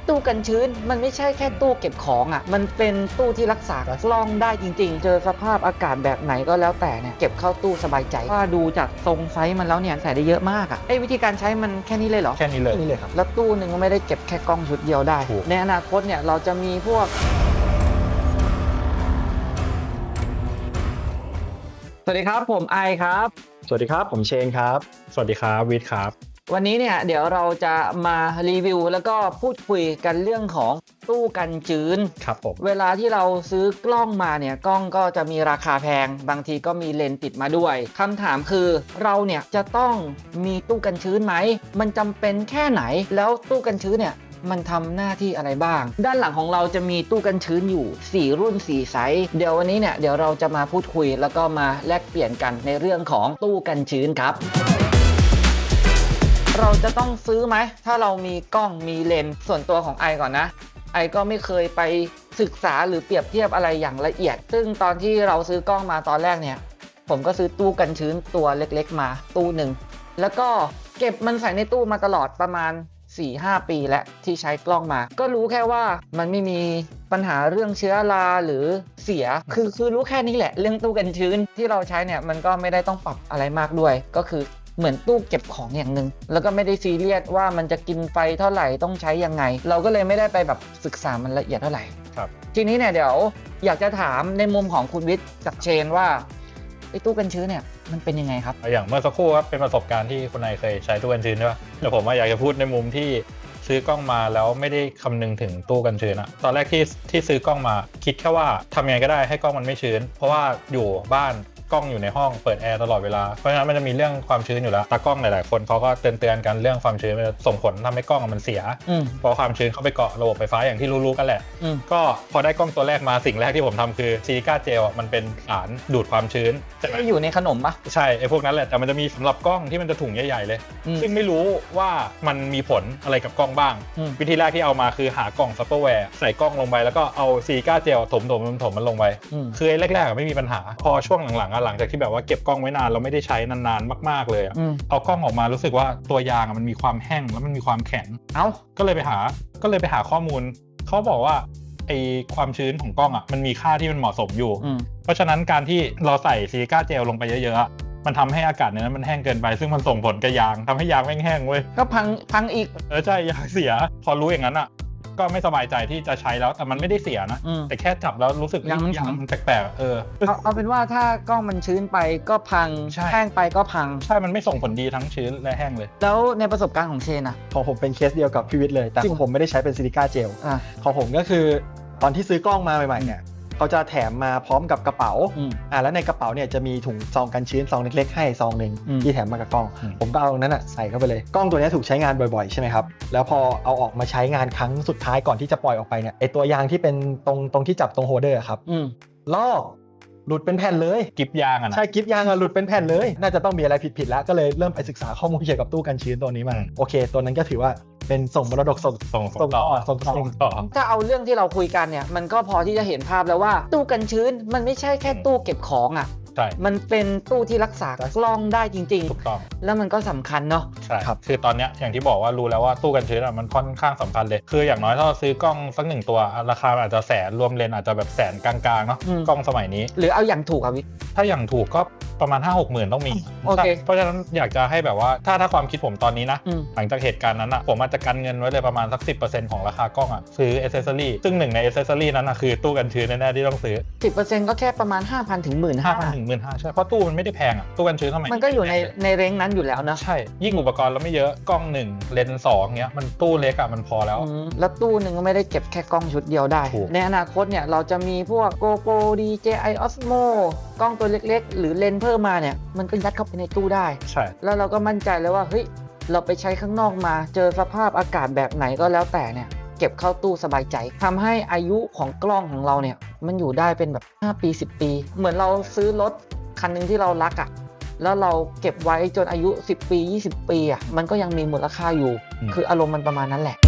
ตู้กันชื้นมันไม่ใช่แค่ตู้เก็บของอ่ะมันเป็นตู้ที่รักษากล้องได้จริงๆเจอสภาพอากาศแบบไหนก็แล้วแต่เนี่ยเก็บเข้าตู้สบายใจว่าดูจากทรงไซส์มันแล้วเนี่ยใส่ได้เยอะมากอ่ะวิธีการใช้มันแค่นี้เลยเหรอแค่นี้เลยครับแล้วตู้หนึ่งก็ไม่ได้เก็บแค่กล้องชุดเดียวได้ในอนาคตเนี่ยเราจะมีพวกสวัสดีครับผมไอครับสวัสดีครับผมเชนครับสวัสดีครับวิทย์ครับวันนี้เนี่ยเดี๋ยวเราจะมารีวิวแล้วก็พูดคุยกันเรื่องของตู้กันชื้นครับผมเวลาที่เราซื้อกล้องมาเนี่ยกล้องก็จะมีราคาแพงบางทีก็มีเลนส์ติดมาด้วยคำถามคือเราเนี่ยจะต้องมีตู้กันชื้นไหมมันจำเป็นแค่ไหนแล้วตู้กันชื้นเนี่ยมันทำหน้าที่อะไรบ้างด้านหลังของเราจะมีตู้กันชื้นอยู่4รุ่น4ไซส์เดี๋ยววันนี้เนี่ยเดี๋ยวเราจะมาพูดคุยแล้วก็มาแลกเปลี่ยนกันในเรื่องของตู้กันชื้นครับเราจะต้องซื้อไหมถ้าเรามีกล้องมีเลนส์ส่วนตัวของไอก่อนนะไอก็ไม่เคยไปศึกษาหรือเปรียบเทียบอะไรอย่างละเอียดซึ่งตอนที่เราซื้อกล้องมาตอนแรกเนี่ยผมก็ซื้อตู้กันชื้นตัวเล็กๆมาตู้หนึ่งแล้วก็เก็บมันใส่ในตู้มาตลอดประมาณ 4-5 ปีแล้วที่ใช้กล้องมาก็รู้แค่ว่ามันไม่มีปัญหาเรื่องเชื้อราหรือเสียคือรู้แค่นี้แหละเรื่องตู้กันชื้นที่เราใช้เนี่ยมันก็ไม่ได้ต้องปรับอะไรมากด้วยก็คือเหมือนตู้เก็บของอย่างหนึ่งแล้วก็ไม่ได้ซีเรียสว่ามันจะกินไฟเท่าไหร่ต้องใช้ยังไงเราก็เลยไม่ได้ไปแบบศึกษามันละเอียดเท่าไหร่ครับทีนี้เนี่ยเดี๋ยวอยากจะถามในมุมของคุณวิทย์กับเชนว่าไอ้ตู้กันชื้นเนี่ยมันเป็นยังไงครับอย่างเมื่อสักครู่ครับเป็นประสบการณ์ที่คุณนายเคยใช้ตู้กันชื้นใช่ป่ะแต่ผมอยากจะพูดในมุมที่ซื้อกล้องมาแล้วไม่ได้คำนึงถึงตู้กันชื้นอะตอนแรกที่ซื้อกล้องมาคิดแค่ว่าทำยังไงก็ได้ให้กล้องมันไม่ชื้นเพราะว่าอยู่บ้านกล้องอยู่ในห้องเปิดแอร์ตลอดเวลาเพราะฉะนั้นมันจะมีเรื่องความชื้นอยู่แล้วตากล้องหลายๆคนเขาก็เตือนกันเรื่องความชื้นมันส่งผลทำให้กล้องมันเสียเพราะความชื้นเข้าไปเกาะระบบไฟฟ้าอย่างที่รู้ๆกันแหละก็พอได้กล้องตัวแรกมาสิ่งแรกที่ผมทำคือซิลิก้าเจลมันเป็นสารดูดความชื้นจะอยู่ในขนมปะใช่ไอ้พวกนั้นแหละแต่มันจะมีสำหรับกล้องที่มันจะถุงใหญ่ๆเลยซึ่งไม่รู้ว่ามันมีผลอะไรกับกล้องบ้างวิธีแรกที่เอามาคือหากล่องซัพเปอร์แวร์ใส่กล้องลงไปแล้วก็เอาซิลิก้าเจลถมมันลงไปคือแรกๆไม่มีปัญหาพอช่วงหลังๆหลังจากที่แบบว่าเก็บกล้องไว้นานเราไม่ได้ใช้นานๆมากๆเลยเอากล้องออกมารู้สึกว่าตัวยางมันมีความแห้งแล้วมันมีความแข็งก็เลยไปหาข้อมูลเขาบอกว่าไอความชื้นของกล้องมันมีค่าที่มันเหมาะสมอยู่เพราะฉะนั้นการที่เราใส่ซิลิก้าเจลลงไปเยอะๆมันทำให้อากาศในนั้นมันแห้งเกินไปซึ่งมันส่งผลกับยางทำให้ยางแม่งเว้ยก็พังอีกใช่ยางเสียพอรู้อย่างนั้นก็ไม่สบายใจที่จะใช้แล้วแต่มันไม่ได้เสียนะแต่แค่จับแล้วรู้สึกยางมันแปลกๆเอาเป็นว่าถ้ากล้องมันชื้นไปก็พังแห้งไปก็พังใช่มันไม่ส่งผลดีทั้งชื้นและแห้งเลยแล้วในประสบการณ์ของเชนของผมเป็นเคสเดียวกับพี่วิทย์เลยแต่ของผมไม่ได้ใช้เป็นซิลิก้าเจลของผมก็คือตอนที่ซื้อกล้องมาใหม่ๆเนี่ยเขาจะแถมมาพร้อมกับกระเป๋าแล้วในกระเป๋าเนี่ยจะมีถุงซองกันชื้นซองเล็กๆให้ซองนึงที่แถมมากับกล้องผมก็เอาตรงนั้นใส่เข้าไปเลยกล้องตัวนี้ถูกใช้งานบ่อยๆใช่ไหมครับแล้วพอเอาออกมาใช้งานครั้งสุดท้ายก่อนที่จะปล่อยออกไปเนี่ยไอตัวยางที่เป็นตรงที่จับตรงโฮลเดอร์ครับลอกหลุดเป็นแผ่นเลยกิฟยางใช่กิฟยางหลุดเป็นแผ่นเลยน่าจะต้องมีอะไรผิดแล้วก็เลยเริ่มไปศึกษาข้อมูลเกี่ยวกับตู้กันชื้นตัวนี้มาโอเคตัวนั้นก็ถือว่าเป็นส่งมรดกส่งต่อถ้าเอาเรื่องที่เราคุยกันเนี่ยมันก็พอที่จะเห็นภาพแล้วว่าตู้กันชื้นมันไม่ใช่แค่ตู้เก็บของมันเป็นตู้ที่รักษากล้องได้จริงๆถูกต้องแล้วมันก็สำคัญเนาะใช่ครับคือตอนนี้อย่างที่บอกว่ารู้แล้วว่าตู้กันชื้นมันค่อนข้างสำคัญเลยคืออย่างน้อยถ้าเราซื้อกล้องสัก1ตัวราคาอาจจะแสนรวมเลนอาจจะแบบแสนกลางๆเนาะกล้องสมัยนี้หรือเอาอย่างถูกวิทย์ถ้าอย่างถูกก็ประมาณ 5-6 หมื่นต้องมีเพราะฉะนั้นอยากจะให้แบบว่าถ้าความคิดผมตอนนี้นะหลังจากเหตุการณ์นั้นผมอาจจะกันเงินไว้เลยประมาณสัก 10% ของราคากล้องซื้อเอเซสซอรี่ซึ่งหนึ่งในเอเซสซอรี่นั้นคือตู้กันชื้นแน่ๆที่ต้องซื้อ 10% ก็แค่ประมาณ 5,000 ถึง 15,000 ถึง 15,000 ใช่เพราะตู้มันไม่ได้แพงตู้กันชื้นทำไมมันก็อยู่ในเร้งนั้นอยู่แล้วนะใช่ยิ่งอุปกรณ์เราไม่เยอะกล้อง1เลนส์2เงี้ยมันตู้เล็กมันพอแล้วแล้วตู้หนึ่งก็ไม่ได้เก็บแค่กล้องชุดเดียวได้ในอนาคตเนี่ยเราจะมีพวก GoPro DJI Osmo กล้องตัวเล็กๆหรือเลนส์เพิ่มมาเนี่ยมันก็ยัดเข้าไปในตู้ได้ใช่แล้วเราก็มั่นใจเลยว่าเฮ้ยเราไปใช้ข้างนอกมาเจอสภาพอากาศแบบไหนก็แล้วแต่เนี่ยเก็บเข้าตู้สบายใจทำให้อายุของกล้องของเราเนี่ยมันอยู่ได้เป็นแบบ5 ปี10 ปีเหมือนเราซื้อรถคันนึงที่เรารักแล้วเราเก็บไว้จนอายุ10 ปี20 ปีมันก็ยังมีมูลค่าอยู่คืออารมณ์มันประมาณนั้นแหละ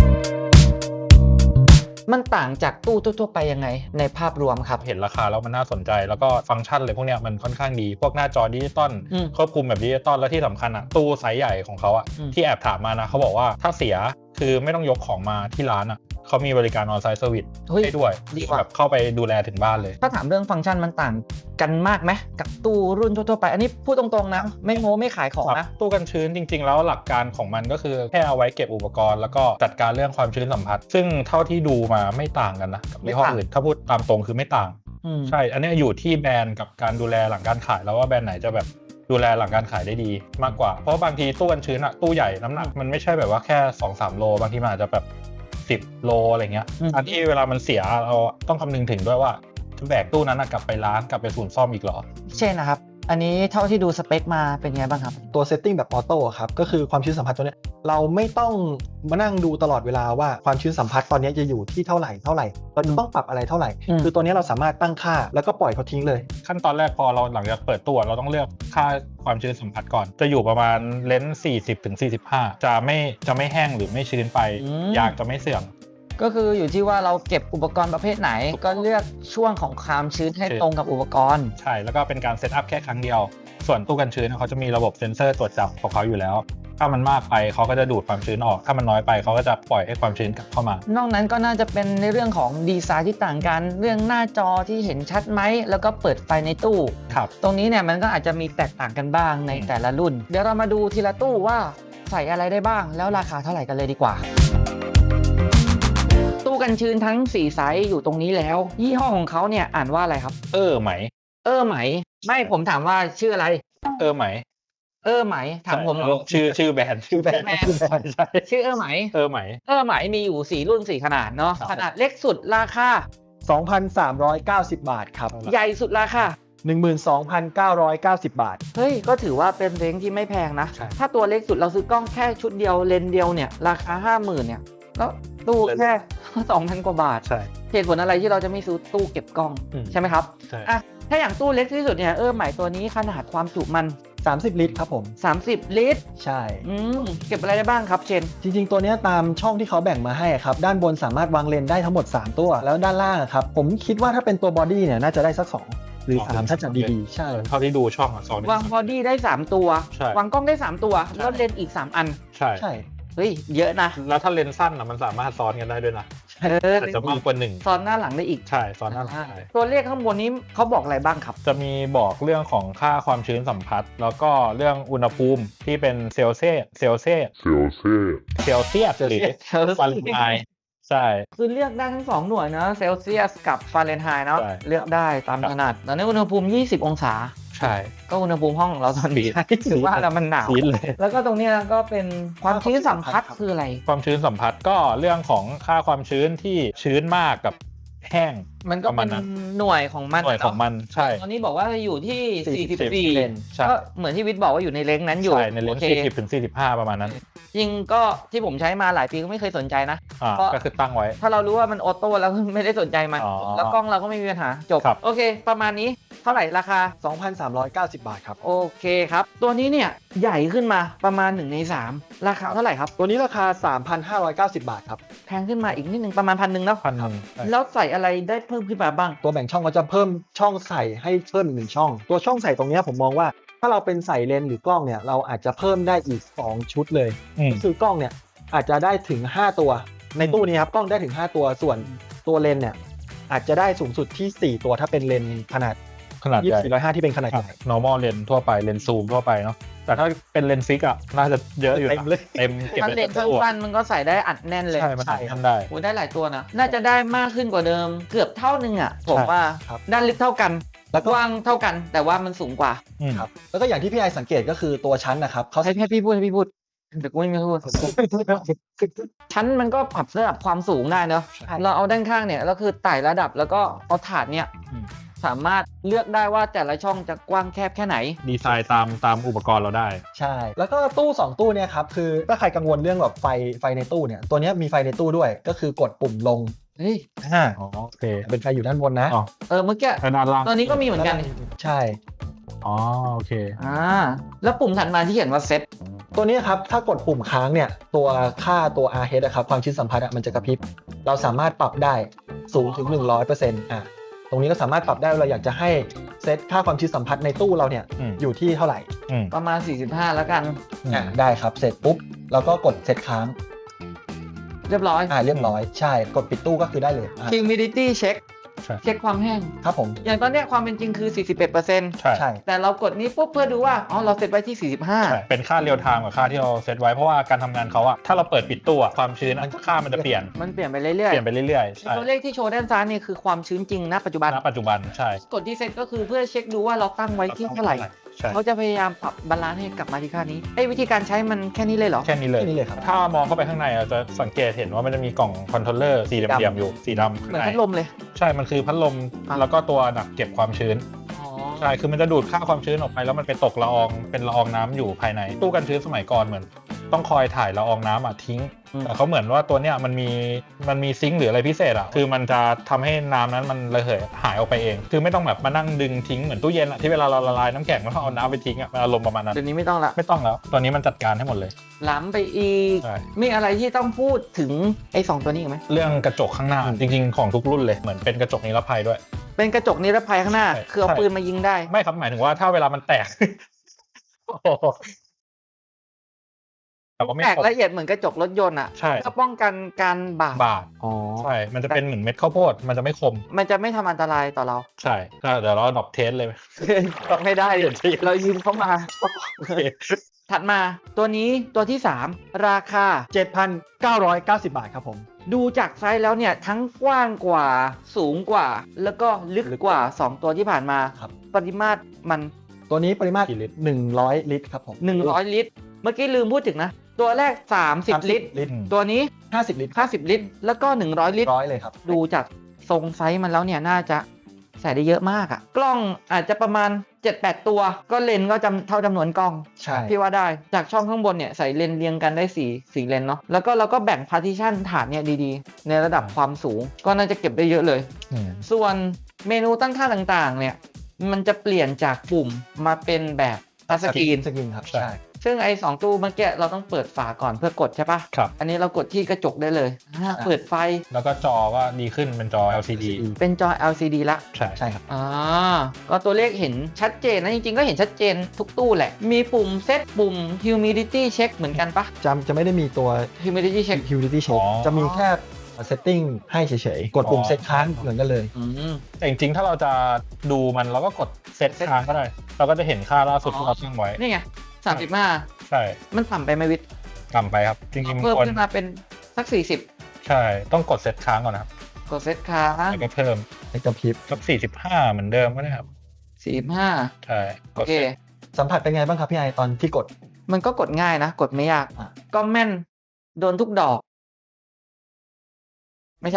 มันต่างจากตู้ทั่วๆไปยังไงในภาพรวมครับเห็นราคาแล้วมันน่าสนใจแล้วก็ฟังก์ชันอะไรพวกเนี้ยมันค่อนข้างดีพวกหน้าจอดิจิตอลควบคุมแบบดิจิตอลแล้วที่สำคัญตู้ไซส์ใหญ่ของเขาที่แอบถามมานะเขาบอกว่าถ้าเสียคือไม่ต้องยกของมาที่ร้านเขามีบริการออนไซต์เซอร์วิสเฮ้ยให้ด้วยดีว่ะแบบเข้าไปดูแลถึงบ้านเลยถ้าถามเรื่องฟังก์ชันมันต่างกันมากไหมกับตู้รุ่นทั่วๆไป อันนี้พูดตรงๆนะไม่โม้ไม่ขายของนะตู้กันชื้นจริงๆแล้วหลักการของมันก็คือแค่เอาไว้เก็บอุปกรณ์แล้วก็จัดการเรื่องความชื้นสัมผัสซึ่งเท่าที่ดูมาไม่ต่างกันนะกับยี่ห้ออื่นถ้าพูดตามตรงคือไม่ต่าง ใช่ อันนี้อยู่ที่แบรนด์กับการดูแลหลังการขายแล้วว่าแบรนด์ไหนจะแบบดูแลหลังการขายได้ดีมากกว่าเพราะบางทีตู้กันชื้นอะตู้ใหญ่น้ำหนักมันไม่ใช่แบบว่าแค่ 2-3 โลบางทีมันอาจจะแบบ10 โลอะไรเงี้ยอันที่เวลามันเสียเราต้องคำนึงถึงด้วยว่าจะแบกตู้นั้นกลับไปร้านกลับไปศูนย์ซ่อมอีกเหรอเช่นนะครับอันนี้เท่าที่ดูสเปคมาเป็นไงบ้างครับตัวเซตติ้งแบบออโต้ครับก็คือความชื้นสัมผัสตัวเนี้ยเราไม่ต้องมานั่งดูตลอดเวลาว่าความชื้นสัมผัสตอนนี้จะอยู่ที่เท่าไหร่เราจะต้องปรับอะไรเท่าไหร่คือตัวนี้เราสามารถตั้งค่าแล้วก็ปล่อยเขาทิ้งเลยขั้นตอนแรกพอเราหลังจากเปิดตู้เราต้องเลือกค่าความชื้นสัมผัสก่อนจะอยู่ประมาณเลนส์40-45จะไม่แห้งหรือไม่ชื้นไปยางจะไม่เสื่อมก็คืออยู่ที่ว่าเราเก็บอุปกรณ์ประเภทไหนก็เลือกช่วงของความชื้นให้ตรงกับอุปกรณ์ใช่แล้วก็เป็นการเซตอัพแค่ครั้งเดียวส่วนตู้กันชื้นเขาจะมีระบบเซ็นเซอร์ตรวจจับของเขาอยู่แล้วถ้ามันมากไปเขาก็จะดูดความชื้นออกถ้ามันน้อยไปเขาก็จะปล่อยให้ความชื้นกลับเข้ามานอกนั้นก็น่าจะเป็นในเรื่องของดีไซน์ที่ต่างกันเรื่องหน้าจอที่เห็นชัดไหมแล้วก็เปิดไฟในตู้ตรงนี้เนี่ยมันก็อาจจะมีแตกต่างกันบ้างในแต่ละรุ่นเดี๋ยวเรามาดูทีละตู้ว่าใส่อะไรได้บ้างแล้วราคาเท่าไหร่กันเลยดีกว่าตู้กันชื้นทั้ง4ไซส์อยู่ตรงนี้แล้วยี่ห้อของเขาเนี่ยอ่านว่าอะไรครับไหมไหมไม่ผมถามว่าชื่ออะไรไหมไหมถามผมชื่อแบรนด์ใช่ชื่อไหมไหมมีอยู่4รุ่น4ขนาดเนาะขนาดเล็กสุดราคา 2,390 บาทครับใหญ่สุดราคา 12,990 บาทเฮ้ยก็ถือว่าเป็นเร้งที่ไม่แพงนะถ้าตัวเล็กสุดเราซื้อกล้องแค่ชุดเดียวเลนส์เดียวเนี่ยราคา 50,000 เนี่ยแล้วตู้แค่ 2,000 กว่าบาทใช่เหตุผลอะไรที่เราจะไม่ซื้อตู้เก็บกล้องใช่ไหมครับใช่ถ้าอย่างตู้เล็กที่สุดเนี่ยใหม่ตัวนี้ขนาดความจุมัน 30 ลิตรครับผม 30 ลิตรใช่เก็บอะไรได้บ้างครับเชนจริงๆตัวนี้ตามช่องที่เขาแบ่งมาให้ครับด้านบนสามารถวางเลนได้ทั้งหมด3ตัวแล้วด้านล่างครับผมคิดว่าถ้าเป็นตัวบอดี้เนี่ยน่าจะได้สัก2หรือ3ถ้าจัดดีๆใช่เท่าที่ดูช่องวางบอดี้ได้3ตัววางกล้องได้3ตัวแล้วเลนอีก3อันใช่เฮ้ยเยอะนะแล้วถ้าเลนสั้นมันสามารถซ้อนกันได้ด้วยนะอาจจะมากกว่า1 ซ้อนหน้าหลังได้อีกใช่ซ้อนหน้าหลังตัวเลขข้างบนนี้เขาบอกอะไรบ้างครับจะมีบอกเรื่องของค่าความชื้นสัมผัสแล้วก็เรื่องอุณหภูมิที่เป็นเซลเซียสหรือฟาเรนไฮต์ใช่คือเลือกได้ทั้ง2หน่วยนะเซลเซียสกับฟาเรนไฮต์เนาะเลือกได้ตามถนัดแล้วในอุณหภูมิ20 องศาใช่ก็อุณหภูมิห้องของเราตอนนี้ถือว่าแล้วมันหนาวแล้วก็ตรงนี้ก็เป็นความชื้นสัมผัสคืออะไรความชื้นสัมผัสก็เรื่องของค่าความชื้นที่ชื้นมากกับแห้งมันก็เป็นหน่วยของมันใช่ตอนนี้บอกว่าอยู่ที่44ก็เหมือนที่วิทย์บอกว่าอยู่ในเลนส์นั้นอยู่ใช่ในเลนส์40-45ประมาณนั้นจริงก็ที่ผมใช้มาหลายปีก็ไม่เคยสนใจนะก็คือตั้งไว้ถ้าเรารู้ว่ามันออโต้แล้วไม่ได้สนใจมันแล้วกล้องเราก็ไม่มีปัญหาจบโอเคประมาณนี้เท่าไหร่ราคา 2,390 บาทครับโอเคครับตัวนี้เนี่ยใหญ่ขึ้นมาประมาณ1 ใน 3ราคาเท่าไหร่ครับตัวนี้ราคา 3,590 บาทครับแพงขึ้นมาอีกนิดนึงประมาณ 1,000 เนาะแล้วใส่อะไรได้เพิ่มขึ้นมาบ้างตัวแบ่งช่องก็จะเพิ่มช่องใส่ให้เพิ่ม1ช่องตัวช่องใส่ตรงนี้ผมมองว่าถ้าเราเป็นใส่เลนส์หรือกล้องเนี่ยเราอาจจะเพิ่มได้อีก2ชุดเลยคือกล้องเนี่ยอาจจะได้ถึง5ตัวในตู้นี้ครับกล้องได้ถึง5ตัวส่วนตัวเลนส์เนี่ยอาจจะได้สูงสุดที่4ตัวถ้าเป็นเลนส์ขนาดใหญ่ 24-105ที่เป็นขนาดใหญ่ normal เลนส์ทั่วไปเลนส์ซูมทั่วไปเนาะแต่ถ้าเป็นเลนส์ฟิกอ่ะน่าจะเยอะอยู่เต็มเก็บเลนส์สั้นๆมันก็ใส่ได้อัดแน่นเลยใช่มันทำได้โอ้ได้หลายตัวนะน่าจะได้มากขึ้นกว่าเดิมเกือบเท่านึงอ่ะผมว่าด้านลึกเท่ากันแล้วกว้างเท่ากันแต่ว่ามันสูงกว่าครับแล้วก็อย่างที่พี่ไอสังเกตก็คือตัวชั้นนะครับเขาให้พี่พูดเดี๋ยวกูไม่พูดชั้นมันก็ปรับระดับความสูงได้เนาะเราเอาด้านข้างเนี่ยก็คือไต่ระดับแล้วก็เอาถาดเนี่ยสามารถเลือกได้ว่าแต่ละช่องจะกว้างแคบแค่ไหนดีไซน์ตามอุปกรณ์เราได้ใช่แล้วก็ตู้2ตู้เนี่ยครับคือถ้าใครกังวลเรื่องแบบไฟในตู้เนี่ยตัวนี้มีไฟในตู้ด้วยก็คือกดปุ่มลงโอเคเป็นไฟอยู่ด้านบนนะเมื่อกี้ตอนนี้ก็มีเหมือนกันใช่โอเคแล้วปุ่มถัดมาที่เขียนว่าเซตตัวนี้ครับถ้ากดปุ่มค้างเนี่ยตัวค่าตัว RH นะครับความชื้นสัมผัสมันจะกระพริบเราสามารถปรับได้สูงถึง 100%ตรงนี้ก็สามารถปรับได้เราอยากจะให้เซตค่าความชื้นสัมผัสในตู้เราเนี่ยอยู่ที่เท่าไหร่ประมาณ45แล้วกันได้ครับเสร็จปุ๊บเราก็กดเซตค้างเรียบร้อยเรียบร้อยใช่กดปิดตู้ก็คือได้เลย humidity check ใช่เช็คความแห้งครับผมอย่างตอนเนี้ยความเป็นจริงคือ 41% ใช่ใช่แต่เรากดนี้ปุ๊บเพื่อดูว่าอ๋อเราเซตไว้ที่ใช่เป็นค่าเรียลไทม์กับค่าที่เราเซตไว้เพราะว่าการทำงานเขาอะถ้าเราเปิดปิดตู้อะความชื้นค่ามันจะเปลี่ยน 45มันเปลี่ยนไปเรื่อยเปลี่ยนไปเรื่อยๆๆใช่ตัวเลขที่โชว์ด้านซ้ายนี่คือความชื้นจริงณปัจจุบันณปัจจุบันใช่กดที่เซตก็คือเพื่อเช็คดูว่าเราตั้งไว้ที่เท่าไหร่ใช่เขาจะพยายามปรับบาลานซ์ให้กลับมาที่ค่านี้วิธีการใช้มันแค่นี้เลยเหรอแค่นี้เลยแค่นี้เลยครับถ้ามองเข้าไปข้างในอะจะสังเกตเห็นว่ามันจะมีกล่องคอนโทรลเลอร์สีเหลี่ยมๆอยู่สีดำเหมือนพัดลมเลยใช่มันคือพัดลมอ่ะแล้วก็ตัวหนักเก็บความชื้นอ๋อใช่ คือมันจะดูดค่าความชื้นออกไปแล้วมันไปตกละอองเป็นละอองน้ำอยู่ภายในตู้กันชื้นสมัยก่อนเหมือน ต้องคอยถ่ายละอองน้ำอ่ะทิ้ง แต่เขาเหมือนว่าตัวเนี้ยมันมีซิงค์หรืออะไรพิเศษอ่ะคือมันจะทำให้น้ำนั้นมันระเหยหายออกไปเองคือไม่ต้องแบบมานั่งดึงทิ้งเหมือนตู้เย็นอ่ะที่เวลาเราละลายน้ำแข็งแล้วเอาน้ำไปทิ้งอ่ะมันอารมณ์ประมาณนั้นเดี๋ยวนี้ไม่ต้องละไม่ต้องแล้วตัวนี้มันจัดการให้หมดเลยล้ำไปอีกใช่มีอะไรที่ต้องพูดถึงไอ้2ตัวนี้อีกไหมเรื่องกระจกข้างหน้าจริงๆของทุกรุ่นเลยเหมือนเป็นกระจกนิรภัยด้วยเป็นกระจกนิรภัยข้างหน้าใช่คือเอาปืนมายิงได้ไม่ครับหมายถึงว่าถ้าเวลามันแตก โอ้โหแต่ว่าไม่แตกครบละเอียดเหมือนกระจกรถยนต์อ่ะใช่เพื่อป้องกันการบาดบาดอ๋อใช่มันจะเป็นเหมือนเม็ดข้าวโพดมันจะไม่คมมันจะไม่ทำอันตรายต่อเราใช่ก็เดี๋ยวเราดรอปเทสเลยไม่ได้เดี๋ยวจะเรายืมเข้ามาโอเคถัดมาตัวนี้ตัวที่ 3 ราคา 7,990 บาทครับผมดูจากไซส์แล้วเนี่ยทั้งกว้างกว่าสูงกว่า แล้วก็ลึกกว่า 2 ตัวที่ผ่านมาครับปริมาตรมันตัวนี้ปริมาตรกี่ลิตร 100 ลิตรครับผม 100 ลิตร เมื่อกี้ลืมพูดถึงนะ ตัวแรก 30 ลิตรลิตรตัวนี้ 50 ลิตร 50 ลิตร แล้วก็ 100 ลิตร 100เลยครับดูจากทรงไซส์มันแล้วเนี่ยน่าจะใส่ได้เยอะมากอะกล้องอาจจะประมาณ 7-8 ตัว ก็เลนส์ก็เท่าจำนวนกล้องใช่พี่ว่าได้จากช่องข้างบนเนี่ยใส่เลนส์เรียงกันได้4เลนส์เนาะแล้วก็เราก็แบ่งพาร์ติชันฐานเนี่ยดีๆ ในระดับความสูงก็น่าจะเก็บได้เยอะเลย ส่วนเมนูตั้งค่าต่างๆเนี่ยมันจะเปลี่ยนจากปุ่มมาเป็นแบบทัชสกรีนสกรีนครับใช่ใช่ซึ่งไอ้2ตู้เมื่อกี้เราต้องเปิดฝาก่อนเพื่อกดใช่ปะครับอันนี้เรากดที่กระจกได้เลยเปิดไฟแล้วก็จอก็ดีขึ้นเป็นจอ LCD เป็นจอ LCD ละใช่ใช่ครับก็ตัวเลขเห็นชัดเจนนะจริงๆก็เห็นชัดเจนทุกตู้แหละ มีปุ่มเซตปุ่ม humidity check เหมือนกันปะจะไม่ได้มีตัว humidity check humidity check จะมีแค่ setting ให้เฉยๆ กดปุ่มเซตค้างเหมือนกันเลยแต่จริงๆถ้าเราจะดูมันเราก็กดเซตค้างก็ได้ เราก็จะเห็นค่าล่าสุดที่เราตั้งไว้นี่ไง35 ใช่มันต่ำไปไหมวิทย์ต่ำไปครับ จริงๆเพิ่มควรขึ้นมาเป็นสักใช่ ต้องกดเซตค้างก่อนนะครับ 40 กดเซตค้างแล้วก็เพิ่มในกระพริบสัก45 เหมือนเดิมก็ได้ครับ 45 ใช่โอเคสัมผัสเป็นไงบ้างครับพี่ไอตอนที่กดมันก็กดง่ายนะ กดไม่ยากอ่ะก็แม่น โดนทุกดอก ไม่ใช่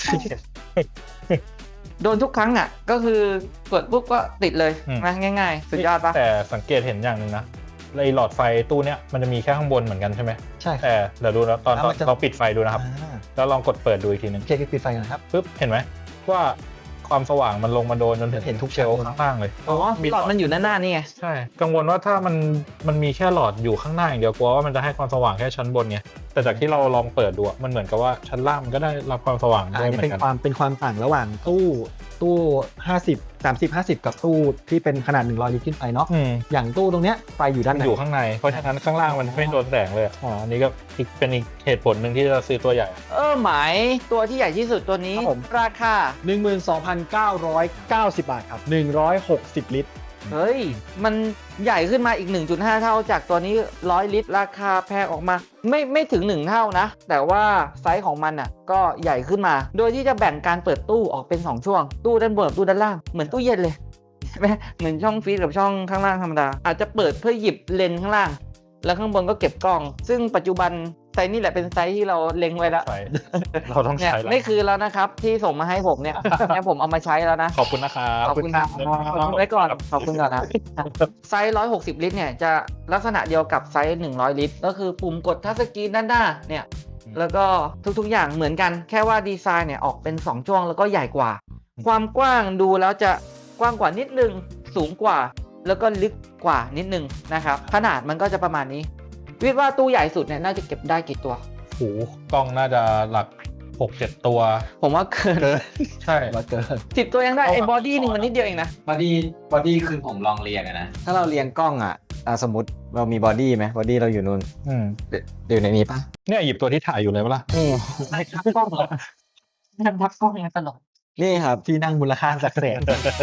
โดนทุกครั้งอ่ะ ก็คือกดปุ๊บก็ติดเลยอืมนะง่ายๆ สุดยอดปะแต่สังเกตเห็นอย่างหนึ่งนะไอหลอดไฟตู้เนี้ยมันจะมีแค่ข้างบนเหมือนกันใช่ไหมใช่ครับแต่เดี๋ยวดูนะตอนแล้วมันจะเราปิดไฟดูนะครับ แล้วลองกดเปิดดูอีกทีหนึงโอเคปิดไฟกันนะครับปุ๊บเห็นไหมว่าความสว่างมันลงมาโดนจนถึงเห็นทุกเชลล์ข้างล่างเลยอ๋อหลอดมันอยู่หน้านี่ไงใช่ กังวลว่าถ้ามันมีแค่หลอดอยู่ข้างหน้าอย่างเดียวกลัวว่ามันจะให้ความสว่างแค่ชั้นบนไงแต่จากที่เราลองเปิดดูอะมันเหมือนกับว่าชั้นล่างมันก็ได้รับความสว่างอัด้วยนเหนี้มือเป็นนกันความต่างระหว่างตู้50 กับตู้ที่เป็นขนาด100 ลิตรขึ้นไปเนาะอืมอย่างตู้ตรงเนี้ยไฟอยู่ด้านในอยู่ข้างใน เพราะฉะนั้นข้างล่างมันไม่โดนแสงเลยอะอันนี้ก็เป็นอีกเหตุผลหนึ่งที่จะซื้อตัวใหญ่หมายตัวที่ใหญ่ที่สุดตัวนี้ครับผมราคา 12,990 บาทครับ160 ลิตรเฮ้ย มันใหญ่ขึ้นมาอีก 1.5 เท่าจากตัวนี้100 ลิตร ราคาแพงออกมา ไม่ถึง 1 เท่านะ แต่ว่าไซส์ของมันอ่ะก็ใหญ่ขึ้นมา โดยที่จะแบ่งการเปิดตู้ออกเป็น 2 ช่วง ตู้ด้านบนกับตู้ด้านล่าง เหมือนตู้เย็นเลยใช่ไหมเหมือนช่องฟรีซกับช่องข้างล่างธรรมดา อาจจะเปิดเพื่อหยิบเลนส์ข้างล่าง แล้วข้างบนก็เก็บกล้อง ซึ่งปัจจุบันไซส์นี่แหละเป็นไซส์ที่เราเล็งไว้แล้วใช่ เราต้องเนี่ยใช้แล้วไม่คือแล้วนะครับที่ส่งมาให้ผมเนี่ย เนี่ยผมเอามาใช้แล้วนะขอบคุณนะครับขอบคุณครับขอบคุณไว้ก่อน ขอบคุณก่อนนะไซส์160 ลิตรเนี่ยจะลักษณะเดียวกับไซส์100 ลิตร ก็คือปุ่มกดทัชสกรีนด้านหน้าเนี่ยแล้วก็ทุกๆอย่างเหมือนกันแค่ว่าดีไซน์เนี่ยออกเป็น2ช่วงแล้วก็ใหญ่กว่า ความกว้างดูแล้วจะกว้างกว่านิดนึงสูงกว่า แล้วก็ลึกกว่านิดนึงนะครับขนาดมันก็จะประมาณนี้วิดว่าตู้ใหญ่สุดเนี่ยน่าจะเก็บได้กี่ตัวโอ้โหกล้องน่าจะหลัก 6-7 ตัวผมว่าเกินใช่มาเกิน 10 ตัวยังได้ไอ้บอดี้นึงมันนิดเดียวเองนะบอดี้คือผมลองเรียงอะนะถ้าเราเรียงกล้องอ่ะสมมติเรามีบอดี้ไหมบอดี้เราอยู่นู่นอยู่ในนี้ปะเนี่ยหยิบตัวที่ถ่ายอยู่เลยปะล่ะนี่ทักกล้องเหรอทักกล้องยังตลกนี่ครับที่นั่งมูลค่าจากแสน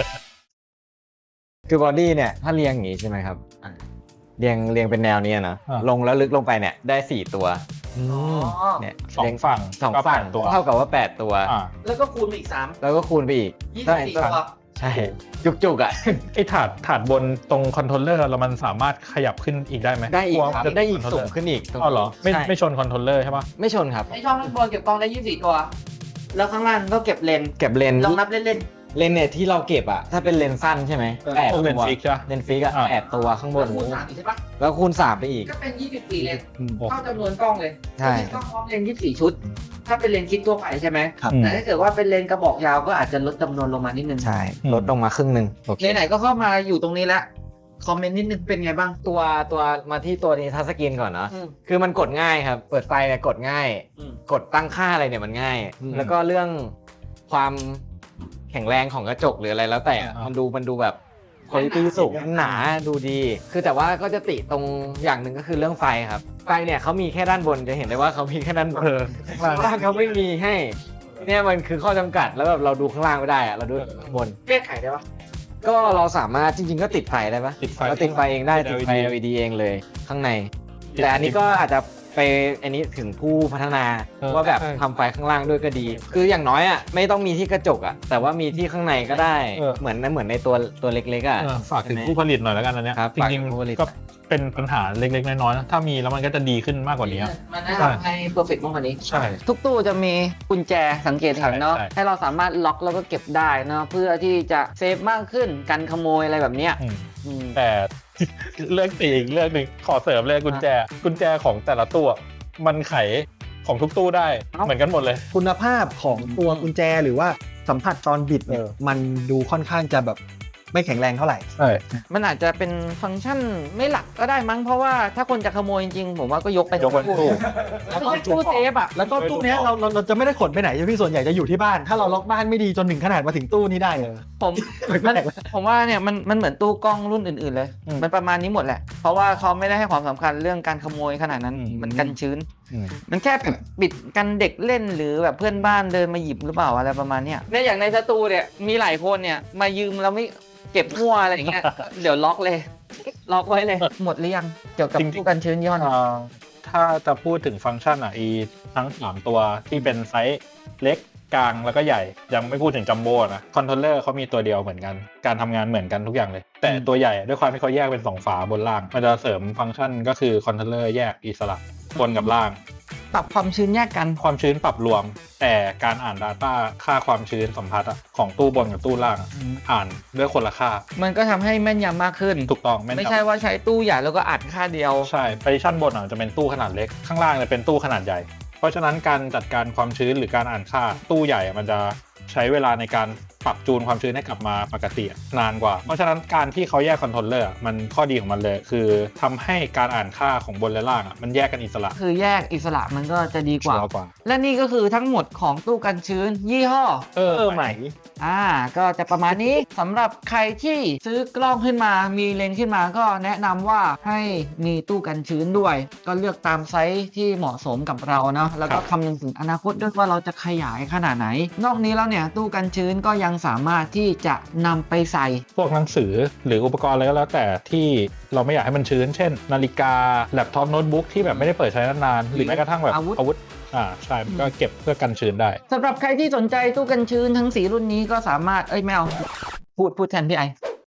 คือบอดี้เนี่ยถ้าเรียงอย่างนี้ใช่ไหมครับเรียงเป็นแนวนี้นะลงแล้วลึกลงไปเนี่ยได้4ตัว เนี่ยสองฝั่งสองฝั่งก็8ตัวเท่ากับว่า8ตัวแล้วก็คูณไปอีก3 แล้วก็คูณไปอีก 24ตัวใช่จุกๆอ่ะไอ้ถาดบนตรงคอนโทรลเลอร์เรามันสามารถขยับขึ้นอีกได้ไหมได้อีกลัวครับจะได้อีกคอนโทรสูลงเลอร์ขึ้นอีกอ้าวเหรอไม่ใช่ไม่ชนคอนโทรลเลอร์ใช่ปะไม่ชนครับไอช่องด้านบนเก็บกล้องได้24ตัว แล้วข้างล่างก็เก็บเลนส์เก็บเลนส์ลองนับเล่นเลนส์เนี่ยที่เราเก็บอ่ะถ้าเป็นเลนส์สั้นใช่ไหมแปดพวกตัเลนวส์ฟิกใช่ปะเลนส์ฟิกอ่ะอ่า 8 ตัวข้างๆบนคูณ3อีกใช่ปะแล้วคูณ3ไปอีกก็เป็น24เลนส์โอ้เท่าจำนวนกล้องเลยใช่กล้องพร้อมเลนส์24 ชุด ถ้าเป็นเลนส์คิดทั่วไปใช่ไหมครับแต่ถ้าเกิดว่าเป็นเลนส์กระบอกยาวก็อาจจะลดจำนวนลงมานิดนึงใช่ลดลงมาครึ่งหนึ่งโอเคไหนๆก็เข้ามาอยู่ตรงนี้แล้วคอมเมนต์นิดนึงเป็นไงบ้างตัวมาที่ตัวนี้ทัชสกรีนก่อนเนาะอืมคือมันกดง่ายครับ เปิดไฟเนี่ยกดง่ายอืมกดตั้งค่าอะไรเนี่ยมันง่าย แล้วก็เรื่องความแข็งแรงของกระจกหรืออะไรแล้วแต่มันดูแบบคุณภาพสูงหนาดูดี คือแต่ว่าก็จะติตรงอย่างหนึ่งก็คือเรื่องไฟครับ ไฟเนี่ยเขามีแค่ด้านบนจะเห็นได้ว่าเขามีแค่ด้านบนข้างล่างเขาไม่มีให้ เนี่ยมันคือข้อจำกัดแล้วแบบเราดูข้างล่างไม่ได้อะเราดูข้างบนแก้ไขได้ปะก็เราสามารถจริงๆก็ติดไฟได้ปะติดไฟเราติดไฟเองได้ติติดด LED ไฟ LED เองเลยข้างใน แต่อันนี้ก็อาจจะไปอันนี้ถึงผู้พัฒนาว่าแบบทำไฟข้างล่างด้วยก็ดี คืออย่างน้อยอ่ะไม่ต้องมีที่กระจกอ่ะแต่ว่ามีที่ข้างในก็ได้เหมือนในตัวเล็กๆอ่ะฝากถึงผู้ผลิตหน่อยแล้วกันอันเนี้ยครับจริงฝากถึงผู้ผลิตๆก็เป็นปัญหาเล็กๆน้อยๆนะถ้ามีแล้วมันก็จะดีขึ้นมากกว่านี้มันแนะนำให้เพอร์เฟกต์มากกว่านี้ใช่ทุกตู้จะมีกุญแจสังเกตเห็นเนาะใช่ให้เราสามารถล็อกแล้วก็เก็บได้เนาะเพื่อที่จะเซฟมากขึ้นกันขโมยอะไรแบบเนี้ยอืมอืมแต่ เรื่องตีอีกเรื่องหนึ่งขอเสริมเลยกุญแจของแต่ละตู้มันไขของทุกตู้ได้เหมือนกันหมดเลยคุณภาพของตัวกุญแจหรือว่าสัมผัสตอนบิดเนี่ยมันดูค่อนข้างจะแบบไม่แข็งแรงเท่าไหร่ใช่มันอาจจะเป็นฟังก์ชันไม่หลักก็ได้มั้งเพราะว่าถ้าคนจะขโมยจริงๆผมว่าก็ยกไปยกเป็นตู้แล้วก็ตู้เซฟอ่ะแล้วก็ตู้เนี้ยเราจะไม่ได้ขนไปไหนใช่ไหมพี่ส่วนใหญ่จะอยู่ที่บ้าน ถ้าเราล็อกบ้านไม่ดีจนถึงขนาดมาถึงตู้นี้ได้เลยผมว่าเนี่ยมันเหมือนตู้กล้องรุ่นอื่นๆเลย มันประมาณนี้หมดแหละ เพราะว่าเขาไม่ได้ให้ความสำคัญเรื่องการขโมยขนาดนั้นเหมือนกันชื้น มันแค่แบบปิดกันเด็กเล่นหรือแบบเพื่อนบ้านเดินมาหยิบหรือเปล่าอะไรประมาณเนี้ยเนี่ยอย่างในสตูเนี่ยมีหลายคนเนี่ยมายืมแล้วไม่เก็บมั่วอะไรอย่างเงี้ย เดี๋ยวล็อกเลย ล็อกไว้เลย หมดหรือยังเกี่ยวกับจริงๆตู้กันชื้นย้อนถ้าจะพูดถึงฟังก์ชันทั้ง3ตัวที่เป็นไซส์เล็กกลางแล้วก็ใหญ่ ยังไม่พูดถึงจัมโบ้นะคอนโทรลเลอร์เขามีตัวเดียวเหมือนกันการทำงานเหมือนกันทุกอย่างเลย แต่ตัวใหญ่ด้วยความที่เขาแยกเป็น2ฝาบนล่าง มันจะเสริมฟังก์ชันก็คือคอนโทรลเลอร์แยกอิสระบนกับล่างปรับความชื้นแยกกันความชื้นปรับรวม แต่การอ่าน Data ค่าความชื้นสัมผัสของตู้บนกับตู้ล่างอ่านด้วยคนละค่ามันก็ทำให้แม่นยำมากขึ้นถูกต้องแม่นไม่ยำใช่ว่าใช้ตู้ใหญ่แล้วก็อัดค่าเดียวใช่ไปชั้นบนจะเป็นตู้ขนาดเล็กข้างล่างจะเป็นตู้ขนาดใหญ่ เพราะฉะนั้นการจัดการความชื้นหรือการอ่านค่าตู้ใหญ่มันจะใช้เวลาในการปรับจูนความชื้นให้กลับมาปกตินานกว่า เพราะฉะนั้นการที่เขาแยกคอนโทรลเลอร์มันข้อดีของมันเลย คือทำให้การอ่านค่าของบนและล่างมันแยกกันอิสระคือแยกอิสระมันก็จะดีกว่าชัร์กว่าและนี่ก็คือทั้งหมดของตู้กันชื้น ยี่ห้อใหม่ก็จะประมาณนี้สำหรับใครที่ซื้อกล้องขึ้นมามีเลนส์ขึ้นมาก็แนะนำว่าให้มีตู้กันชื้นด้วย ก็เลือกตามไซส์ที่เหมาะสมกับเราเนาะแล้วก็คำนึงถึงอนาคตด้วยว่าเราจะขยายขนาดไหน นอกนี้แล้วเนี่ยตู้กันชื้นก็ยังสามารถที่จะนำไปใส่พวกหนังสือหรืออุปกรณ์อะไรก็แล้วแต่ที่เราไม่อยากให้มันชื้น เช่น นาฬิกาแล็ปท็อปโน้ตบุ๊กที่แบบไม่ได้เปิดใช้นานๆหรือแม้กระทั่งแบบอาวุธใช่มันก็เก็บเพื่อกันชื้นได้สำหรับใครที่สนใจตู้กันชื้นทั้ง4รุ่นนี้ก็สามารถไม่เอาพูดแทนพี่ไอ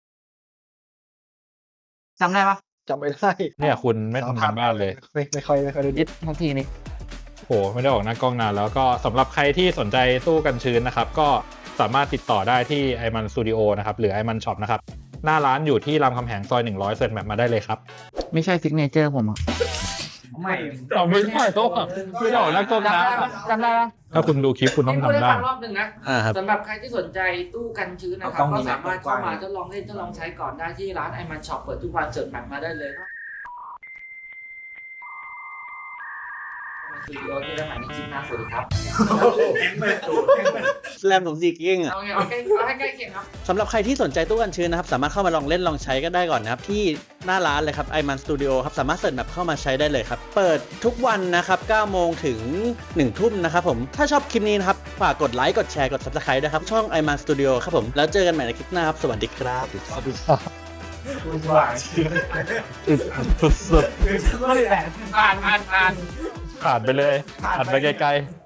จำได้ปะจำไม่ได้เนี่ยคุณไม่ทำงานบ้านเลยไม่ค่อยได้ยึดทันทีนี้โหไม่ได้ออกหน้ากล้องนานแล้วก็สำหรับใครที่สนใจตู้กันชื้นนะครับก็สามารถติดต่อได้ที่ไอมันสตูดิโอนะครับหรือไอมันช็อปนะครับหน้าร้านอยู่ที่รามคำแหงซอย100เซ็นแบบมาได้เลยครับไม่ใช่ซิกเนเจอร์ผมอ่ะเราไม่ได้โต๊ะไม่ได้ออกหน้ากล้องนะจำได้ปะถ้าคุณดูคลิปคุณต้องพูดทำให้ได้ฟังรอบหนึ่งนะครับ สำหรับใครที่สนใจตู้กันชื้นนะครับก็สามารถเข้ามาทดลองเล่นทดลองใช้ก่อนได้ที่ร้านไอมันช็อปเปิดทุกวันเสิร์ชแมปมาได้เลยครับมาสตูดิโอที่ได้หมายในคลิปหน้าสวัสดีครับแรม64กิกะเอาไงเอาให้ใกล้เคียงครับสำหรับใครที่สนใจตู้กันชื้นนะครับสามารถเข้ามาลองเล่นลองใช้ก็ได้ก่อนนะครับที่หน้าร้านเลยครับ iMan Studio ครับสามารถเสิร์ชแบบเข้ามาใช้ได้เลยครับเปิดทุกวันนะครับ9 โมงถึง1 ทุ่มนะครับผมถ้าชอบคลิปนี้นะครับฝากกดไลค์กดแชร์กด Subscribe ด้วยครับช่อง iMan Studio ครับผมแล้วเจอกันใหม่ในคลิปหน้าครับสวัสดีครับสุดๆผ่านไปเลยผ่านไปไกลๆ